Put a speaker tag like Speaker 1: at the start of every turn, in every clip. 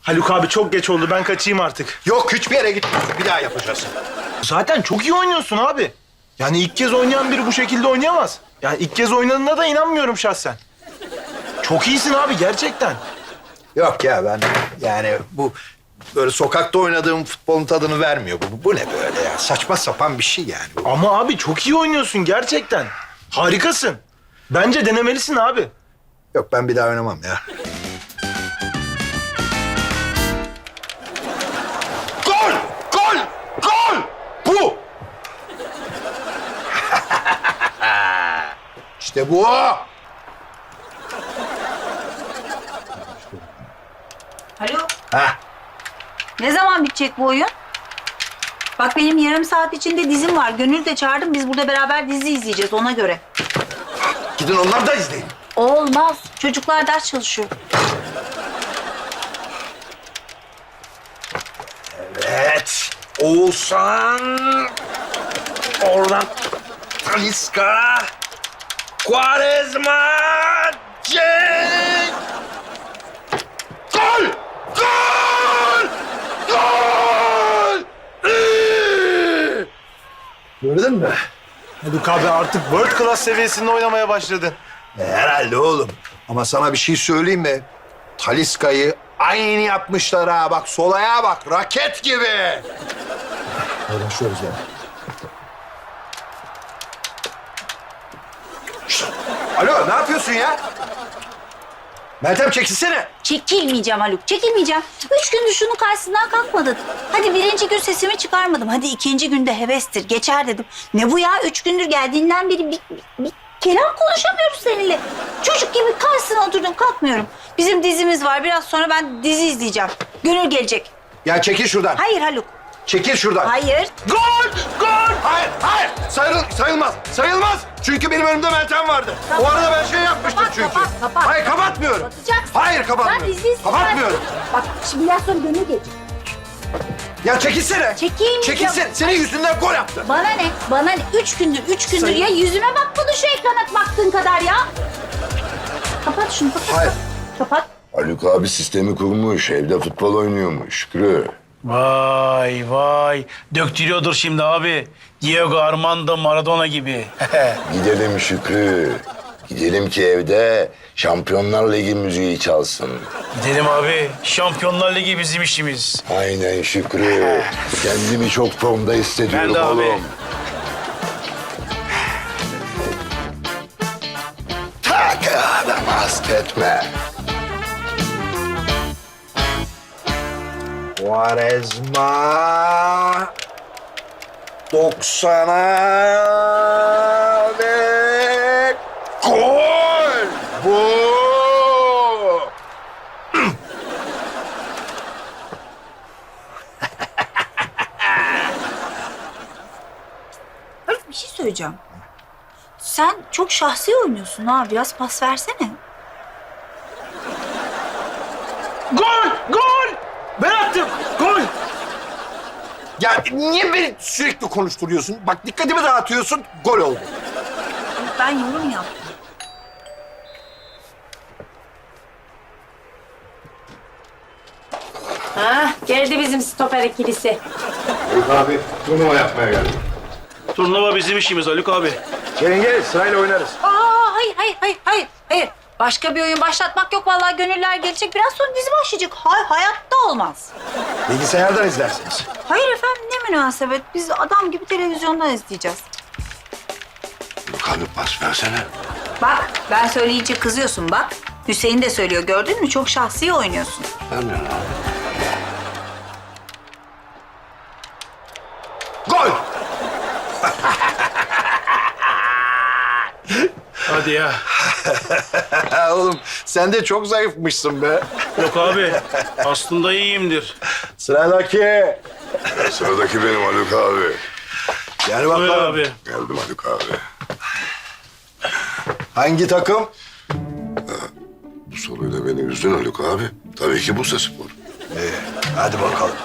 Speaker 1: Haluk abi çok geç oldu. Ben kaçayım artık.
Speaker 2: Yok hiçbir yere gitmiyorsun. Bir daha yapacağız.
Speaker 1: Zaten çok iyi oynuyorsun abi. Yani ilk kez oynayan biri bu şekilde oynayamaz. Yani ilk kez oynadığına da inanmıyorum şahsen. Çok iyisin abi gerçekten.
Speaker 2: Yok ya ben yani bu böyle sokakta oynadığım futbolun tadını vermiyor. Bu ne böyle ya? Saçma sapan bir şey yani. Bu.
Speaker 1: Ama abi çok iyi oynuyorsun gerçekten. Harikasın. Bence denemelisin abi.
Speaker 2: Yok ben bir daha oynamam ya. Gol! Gol! Gol! Bu! İşte bu!
Speaker 3: Alo,
Speaker 2: Ha.
Speaker 3: ne zaman bitecek bu oyun? Bak benim yarım saat içinde dizim var. Gönül de çağırdım. Biz burada beraber dizi izleyeceğiz ona göre.
Speaker 2: Gidin onları da izleyin.
Speaker 3: Olmaz. Çocuklar ders çalışıyor.
Speaker 2: Evet. Oğuzhan. Oradan Talisca. Quaresma. Cenk. Gol! Gol! Gol! Gördün mü?
Speaker 1: Haluk abi artık world class seviyesinde oynamaya başladın.
Speaker 2: Herhalde oğlum. Ama sana bir şey söyleyeyim mi? Talisca'yı aynı yapmışlar ha. Bak sol ayağa bak. Raket gibi. Paylaşıyoruz yani. Şişt! Alo ne yapıyorsun ya? Meltem çekilsene.
Speaker 3: Çekilmeyeceğim Haluk, çekilmeyeceğim. 3 gündür şunun karşısından kalkmadın. Hadi birinci gün sesimi çıkarmadım. Hadi ikinci günde hevestir, geçer dedim. Ne bu ya? 3 gündür geldiğinden beri bir kelam konuşamıyoruz seninle. Çocuk gibi karşısına oturdum, kalkmıyorum. Bizim dizimiz var. Biraz sonra ben dizi izleyeceğim. Gönül gelecek.
Speaker 2: Ya çekil şuradan.
Speaker 3: Hayır Haluk.
Speaker 2: Çekil şuradan.
Speaker 3: Hayır.
Speaker 2: Gol! Gol! Hayır, hayır. Sayılmaz. Sayılmaz. Çünkü benim önümde Meltem vardı. O arada ben şey yapmıştım
Speaker 3: Kapat,
Speaker 2: çünkü.
Speaker 3: kapat.
Speaker 2: Hayır, kapatmıyorum.
Speaker 3: Kapatacaksın.
Speaker 2: Hayır,
Speaker 3: Ben
Speaker 2: kapatmıyorum.
Speaker 3: dizi izleyeceğim.
Speaker 2: Kapatmıyorum.
Speaker 3: Bak şimdi biraz sonra Gönül gelecek.
Speaker 2: Ya çekilsene.
Speaker 3: Çekeyim.
Speaker 2: Çekilsene. Senin yüzünden gol yaptı.
Speaker 3: Bana ne? Bana ne? 3 gündür ya yüzüme bakmadın şu ekrana baktığın kadar ya. Kapat şunu, kapat.
Speaker 2: Hayır.
Speaker 3: Kapat.
Speaker 4: Haluk abi sistemi kurmuş. Evde futbol oynuyormuş. Şükrü.
Speaker 5: Vay vay. Döktürüyordur şimdi abi. Diego Armando Maradona gibi.
Speaker 4: Gidelim Şükrü. Gidelim ki evde Şampiyonlar Ligi müziği çalsın.
Speaker 5: Gidelim abi. Şampiyonlar Ligi bizim işimiz.
Speaker 4: Aynen Şükrü. Kendimi çok formda hissediyorum
Speaker 5: Ben de abi.
Speaker 4: oğlum. Tak adam hasta etme.
Speaker 2: Quaresma 90'a ve gol! Bu!
Speaker 3: Haluk bir şey söyleyeceğim. Sen çok şahsi oynuyorsun ha. Biraz pas versene.
Speaker 1: Gol! Gol! Ben attım. Gol!
Speaker 2: Ya niye beni sürekli konuşturuyorsun? Bak dikkatimi dağıtıyorsun, gol oldu.
Speaker 3: Ben yorum yaptım.
Speaker 6: Geldi bizim stoper ikilisi.
Speaker 2: Abi turnuva yapmaya geldim.
Speaker 5: Turnuva bizim işimiz Haluk abi.
Speaker 2: Gelin gelin sırayla oynarız.
Speaker 3: Hayır. Başka bir oyun başlatmak yok. Vallahi Gönüller gelecek. Biraz sonra dizi başlayacak. Hayatta olmaz.
Speaker 2: Bilgisayardan izlersiniz.
Speaker 3: Hayır efendim ne münasebet. Biz adam gibi televizyondan izleyeceğiz.
Speaker 4: Haluk abi pas versene.
Speaker 3: Bak ben söyleyince kızıyorsun bak. Hüseyin de söylüyor gördün mü? Çok şahsi oynuyorsun.
Speaker 4: Vermiyorum abi.
Speaker 2: Gol!
Speaker 5: Hadi ya.
Speaker 2: Oğlum sen de çok zayıfmışsın be.
Speaker 5: Yok abi. Aslında iyiyimdir.
Speaker 2: Sıradaki.
Speaker 4: Sıradaki benim Haluk abi.
Speaker 2: Gel
Speaker 5: Buyur
Speaker 2: bakalım.
Speaker 5: abi.
Speaker 4: Geldim Haluk abi.
Speaker 2: Hangi takım?
Speaker 4: Bu soruyla beni üzdün Haluk abi. Tabii ki Bursaspor.
Speaker 2: Hadi bakalım.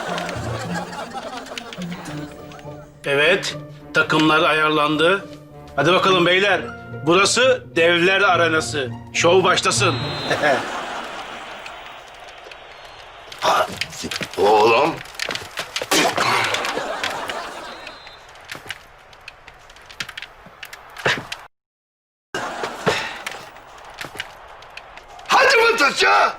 Speaker 5: Evet. Takımlar ayarlandı. Hadi bakalım beyler. Burası devler arenası. Şov başlasın.
Speaker 4: Oğlum. Hadi Mataş'a.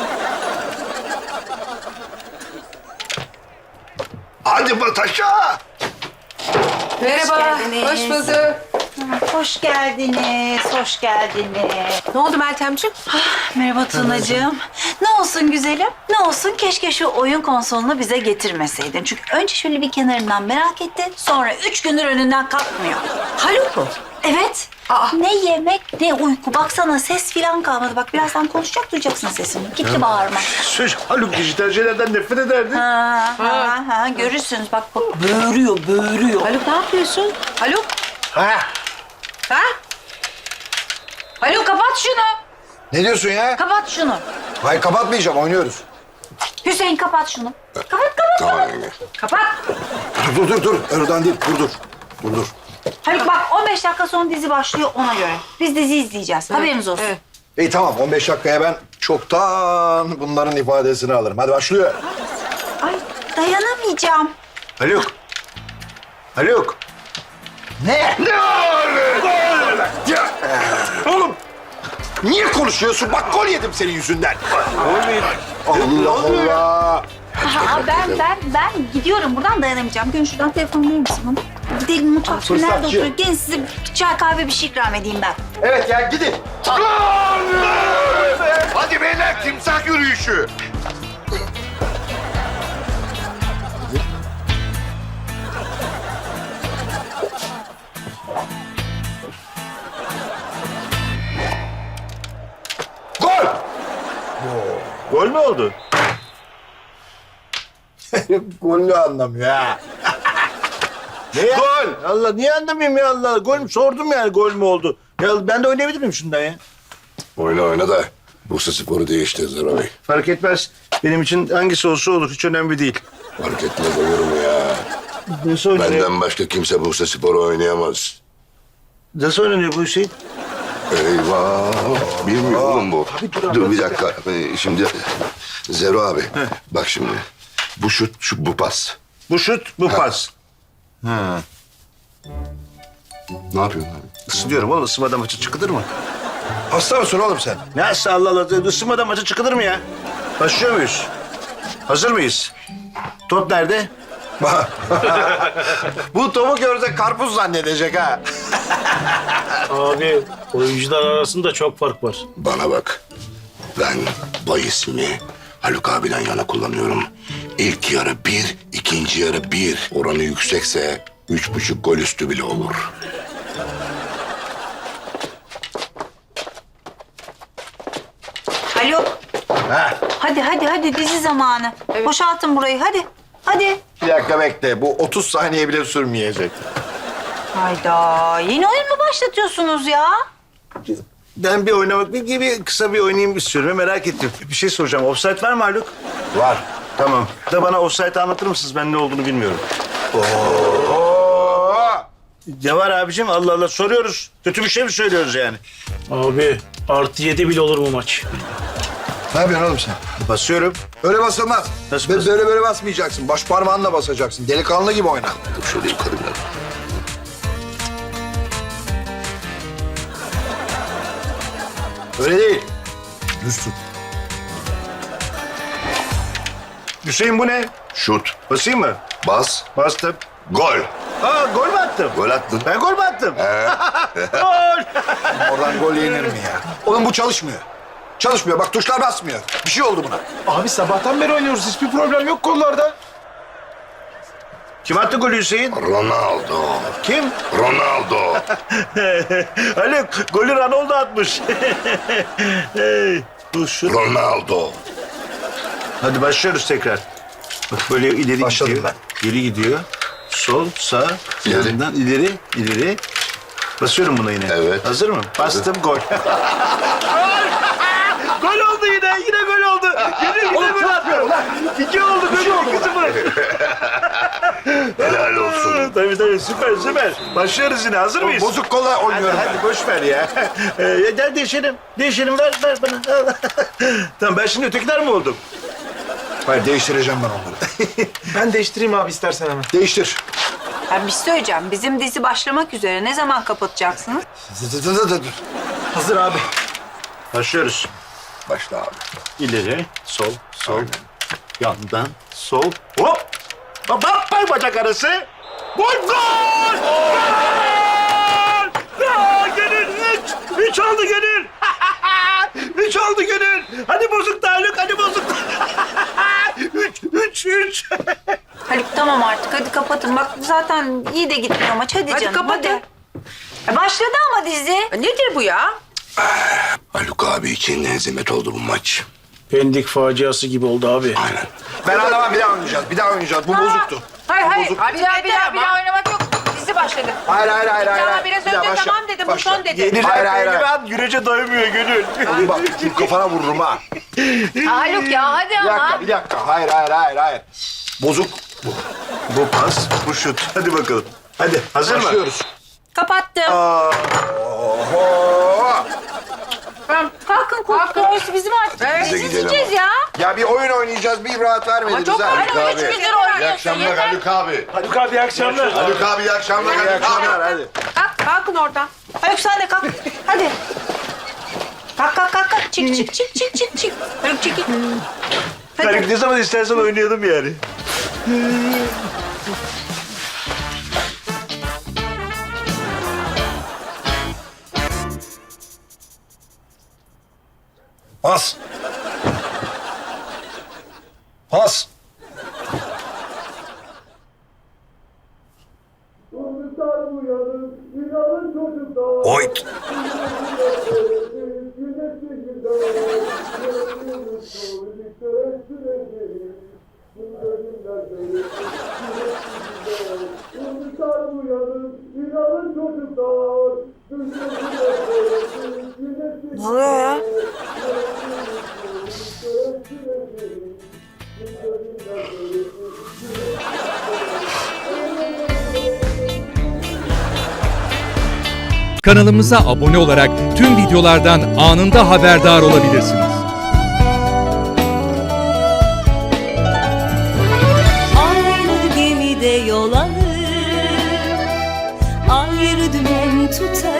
Speaker 4: Hadi Mataş'a.
Speaker 6: Merhaba.
Speaker 3: geldiniz.
Speaker 6: Hoş bulduk.
Speaker 3: Hoş geldiniz, hoş geldiniz.
Speaker 6: Ne oldu Meltemciğim?
Speaker 3: Merhaba Tunacığım. Ne olsun güzelim, ne olsun keşke şu oyun konsolunu bize getirmeseydin. Çünkü önce şöyle bir kenarından merak etti, sonra 3 gündür önünden kalkmıyor.
Speaker 6: Haluk mu?
Speaker 3: Evet. Ne yemek ne uyku. Baksana ses filan kalmadı. Bak birazdan konuşacak duyacaksın sesini. Gitti bağırma.
Speaker 2: Söz Haluk dijital şeylerden nefret ederdi.
Speaker 3: Ha, görürsünüz. Bak böğürüyor, böğürüyor.
Speaker 6: Haluk ne yapıyorsun? Haluk?
Speaker 2: Ha?
Speaker 6: Ha? Haluk kapat şunu.
Speaker 2: Ne diyorsun ya?
Speaker 3: Kapat şunu.
Speaker 2: Hayır kapatmayacağım oynuyoruz.
Speaker 3: Kapat kapat şunu. Kapat.
Speaker 4: Tamam yenge.
Speaker 6: Kapat.
Speaker 2: Dur. Oradan değil dur.
Speaker 3: Haluk bak 15 dakika sonra dizi başlıyor ona göre. Biz dizi izleyeceğiz. Haberiniz olsun.
Speaker 6: Evet.
Speaker 2: İyi tamam 15 dakikaya ben çoktan bunların ifadesini alırım. Hadi başlıyor.
Speaker 3: Ay dayanamayacağım.
Speaker 2: Haluk. Ne?
Speaker 4: Ne olur?
Speaker 2: Ya, oğlum niye konuşuyorsun? Bak gol yedim senin yüzünden. Allah Allah.
Speaker 3: Ben gidiyorum buradan dayanamayacağım. Gün şuradan telefonu verir misin bana? Gidelim mutfak şimdi nerede
Speaker 2: Fırsatçı.
Speaker 3: oturuyor? Gelin size çay kahve bir şey ikram edeyim ben.
Speaker 2: Evet ya gidin.
Speaker 4: Hadi beyler timsah yürüyüşü.
Speaker 2: Gol.
Speaker 7: Gol mü oldu?
Speaker 2: Golü anlamıyor ha.
Speaker 7: Ne ya? Gol. Allah niye anlamayayım ya Allah. Gol mü? Sordum yani gol mü oldu? Ya ben de oynayabilir miyim şundan ya?
Speaker 4: Oyna da Bursa Spor'u değiştir Zara Bey.
Speaker 7: Fark etmez. Benim için hangisi olsa olur. Hiç önemli değil.
Speaker 4: Fark etmez olur mu ya?
Speaker 7: Nasıl oynanıyor?
Speaker 4: Benden başka kimse Bursa Spor'u oynayamaz.
Speaker 7: Nasıl oynanıyor bu Hüseyin?
Speaker 4: Eyvah. Bilmiyor oğlum bu. Dur bir dakika. Şimdi Zero abi. Bak şimdi. Bu şut, bu pas.
Speaker 7: Bu şut, bu pas.
Speaker 4: Ne yapıyorsun abi?
Speaker 7: Isınıyorum oğlum. Isınmadan maça çıkılır mı?
Speaker 2: Hasta mısın oğlum sen?
Speaker 7: Nasıl Allah Allah. Isınmadan maça çıkılır mı ya? Başlıyor muyuz? Hazır mıyız? Top nerede?
Speaker 2: Bu topu görse karpuz zannedecek ha.
Speaker 5: Abi oyuncular arasında çok fark var.
Speaker 4: Bana bak. Ben bahisimi Haluk abiden yana kullanıyorum. İlk yarı 1, ikinci yarı 1. Oranı yüksekse 3,5 gol üstü bile olur.
Speaker 3: Haluk. Hadi dizi zamanı. Boşaltın burayı hadi.
Speaker 2: Bir dakika bekle. Bu 30 saniye bile sürmeyecek.
Speaker 3: Hayda yeni oyun mu başlatıyorsunuz ya?
Speaker 7: Ben bir oynamak gibi kısa bir oynayayım istiyorum. Merak ettim. Bir şey soracağım. Offside var mı Haluk?
Speaker 2: Var.
Speaker 7: Tamam. Da bana offside'ı anlatır mısınız? Ben ne olduğunu bilmiyorum.
Speaker 2: Oo!
Speaker 7: Ne var abicim? Allah Allah soruyoruz. Kötü bir şey mi söylüyoruz yani?
Speaker 5: Abi +7 bile olur mu maç?
Speaker 2: Ne yapıyorsun oğlum sen?
Speaker 7: Basıyorum.
Speaker 2: Öyle basılmaz.
Speaker 7: Nasıl
Speaker 2: Böyle
Speaker 7: basılmaz?
Speaker 2: böyle basmayacaksın. Baş parmağınla basacaksın. Delikanlı gibi oyna.
Speaker 4: Dur şöyle yukarı biraz.
Speaker 2: Öyle değil. Düz tut.
Speaker 7: Hüseyin bu ne?
Speaker 4: Şut,
Speaker 7: Basayım mı?
Speaker 4: bas,
Speaker 7: Bastım.
Speaker 4: gol.
Speaker 7: Aa gol mü attım?
Speaker 4: Gol attın.
Speaker 7: Ben gol mü attım? Gol!
Speaker 2: Oradan gol yenir mi ya? Oğlum bu çalışmıyor. Çalışmıyor. Bak tuşlar basmıyor. Bir şey oldu buna.
Speaker 1: Abi sabahtan beri oynuyoruz. Hiçbir problem yok kollarda.
Speaker 7: Kim attı golü Hüseyin?
Speaker 4: Ronaldo.
Speaker 7: Kim?
Speaker 4: Ronaldo.
Speaker 7: Haluk golü Ronaldo atmış. Hey, bu şu.
Speaker 4: Ronaldo.
Speaker 7: Hadi başlıyoruz tekrar. Bak böyle ileri
Speaker 2: Başladım
Speaker 7: gidiyor. Geri gidiyor. Sol, sağ,
Speaker 4: İleri.
Speaker 7: yanından ileri. Basıyorum buna yine.
Speaker 4: Evet.
Speaker 7: Hazır mı? Bastım gol. Gol oldu yine gol oldu. Gönül oğlum ne yapıyorsun lan? 2 oldu Gönül 2-0.
Speaker 4: Helal olsun.
Speaker 7: Tabii süper. Başlıyoruz yine hazır mıyız?
Speaker 2: Bozuk kolla oynuyorum ben.
Speaker 7: Hadi boş ver ya. Gel değişelim. Değişelim ver bana. Tamam ben şimdi ötekiler mi oldum?
Speaker 2: Hayır değiştireceğim ben onları.
Speaker 1: Ben değiştireyim abi istersen hemen.
Speaker 2: Değiştir.
Speaker 6: Ben bir şey söyleyeceğim. Bizim dizi başlamak üzere. Ne zaman kapatacaksınız?
Speaker 1: Hazır abi.
Speaker 7: Başlıyoruz.
Speaker 2: Başla abi.
Speaker 7: İleri, sol.
Speaker 2: Aynen.
Speaker 7: Yandan, sol. Hop! Hop! Bacak arası. Gol! Gol! Gönül! 3 oldu Gönül! 3 oldu Gönül! Hadi bozuk da Haluk, hadi bozuk da. 3.
Speaker 6: Haluk tamam artık. Hadi kapatın. Bak zaten iyi de gitmiyor maç. Hadi canım.
Speaker 3: kapatın.
Speaker 6: Başladı ama dizi. Nedir bu ya?
Speaker 4: Haluk abi için hezimet oldu bu maç.
Speaker 5: Pendik faciası gibi oldu abi.
Speaker 4: Aynen.
Speaker 2: Ben anlamam, bir daha oynayacağız. Bu bozuktu.
Speaker 6: Hayır.
Speaker 2: Bozuk.
Speaker 6: Abi bir daha oynamak yok. Dizi başladı.
Speaker 2: Hayır.
Speaker 6: Sana biraz
Speaker 2: Bir daha
Speaker 6: önce
Speaker 2: başla.
Speaker 6: tamam dedim. Bu
Speaker 2: Başla.
Speaker 6: son dedim.
Speaker 7: Yenilen
Speaker 2: Hayır.
Speaker 7: pehlivan yürece doymuyor Gönül.
Speaker 2: Oğlum bak şu kafana vururum ha.
Speaker 6: Haluk ya hadi
Speaker 2: Bir dakika. Hayır. Bozuk.
Speaker 7: Bu pas, bu şut. Hadi bakalım. Hadi hazır mı?
Speaker 2: Başlıyoruz.
Speaker 3: Kapattım.
Speaker 2: Oho!
Speaker 3: Tamam, kalkın kontrolsüz bizim artık.
Speaker 6: Evet.
Speaker 3: Dizi
Speaker 4: gidelim
Speaker 3: izleyeceğiz ya.
Speaker 2: Ya bir oyun oynayacağız, bir rahat vermediniz
Speaker 6: çok
Speaker 2: ha.
Speaker 6: oyun
Speaker 2: Haluk
Speaker 6: oynuyoruz.
Speaker 2: abi.
Speaker 6: Üç gündür oynuyorsun.
Speaker 4: İyi akşamlar
Speaker 6: Yeter.
Speaker 4: Haluk abi.
Speaker 1: Haluk abi iyi akşamlar.
Speaker 4: Haluk abi iyi akşamlar.
Speaker 2: İyi akşamlar, hadi.
Speaker 6: Kalkın oradan.
Speaker 3: Haluk sen de kalk. Hadi. Kalk. Çık. Haluk çekil.
Speaker 7: Haluk ne zaman istersen oynayalım yani.
Speaker 2: Pas. Pas. Oyt.
Speaker 6: Ne oluyor ya?
Speaker 8: Kanalımıza abone olarak tüm videolardan anında haberdar olabilirsiniz.
Speaker 9: Aynı gemide yol alır, ayrı dümen tutar.